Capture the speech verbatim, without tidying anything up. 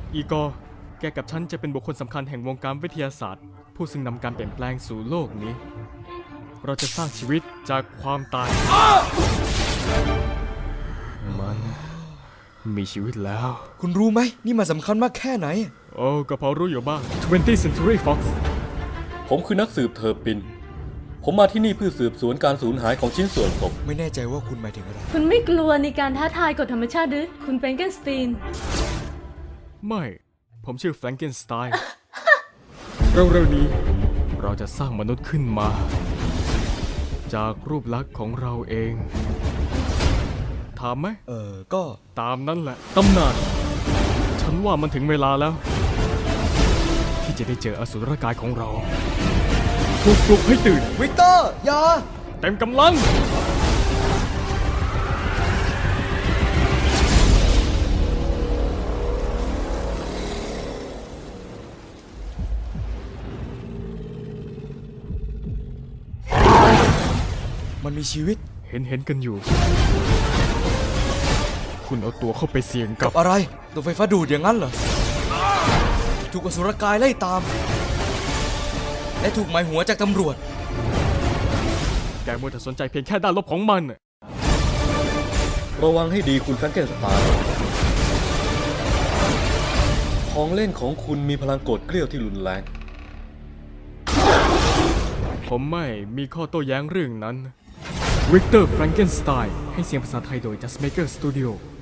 อีกอร์แกกับฉันจะเป็นบุคคลสำคัญแห่งวงการวิทยาศาสตร์ ผู้ซึ่งนำการเปลี่ยนแปลงสู่โลกนี้ เราจะสร้างชีวิตจากความตาย มันมีชีวิตแล้วคุณรู้ไหมนี่มันสำคัญมากแค่ไหนโอ้ก็พอรู้อยู่บ้าง twentieth Century Fox ผมคือนักสืบเทอร์ปิน ผมมาที่นี่เพื่อสืบสวนการสูญหายของชิ้นส่วนศพไม่แน่ใจว่าคุณหมายถึงอะไรคุณไม่กลัวในการท้าทายกฎธรรมชาติหรือคุณแฟรงเกนสตีนไม่ ผมชื่อแฟรงเกนสไตน์ เร็วๆนี้ เราจะสร้างมนุษย์ขึ้นมา จากรูปลักษณ์ของเราเอง ถามไหมเออก็ตามนั้นแหละ ตำนาน ฉันว่ามันถึงเวลาแล้ว ที่จะได้เจออสุรกายของเรา ถูกปลุกให้ตื่นวิกเตอร์อย่าเต็มกำลังมันมีชีวิตเห็นเห็นกันอยู่ คุณเอาตัวเข้าไปเสี่ยงกักับ บอะไรตัวไฟฟ้าดูดอย่างนั้นเหรอ ถูกอสุรกายไล่ตาม และถูกหมายหัวจากตำรวจแกมัวแต่สนใจเพียงแค่ด้านลบของมันน่ะระวังให้ดีคุณแฟรงเกนสไตน์ของเล่นของคุณมีพลังโกรธเกลี้ยวที่รุนแรงผมไม่มีข้อโต้แย้งเรื่องนั้น วิกเตอร์ แฟรงเกนสไตน์ให้เสียงภาษาไทยโดย Just Maker Studio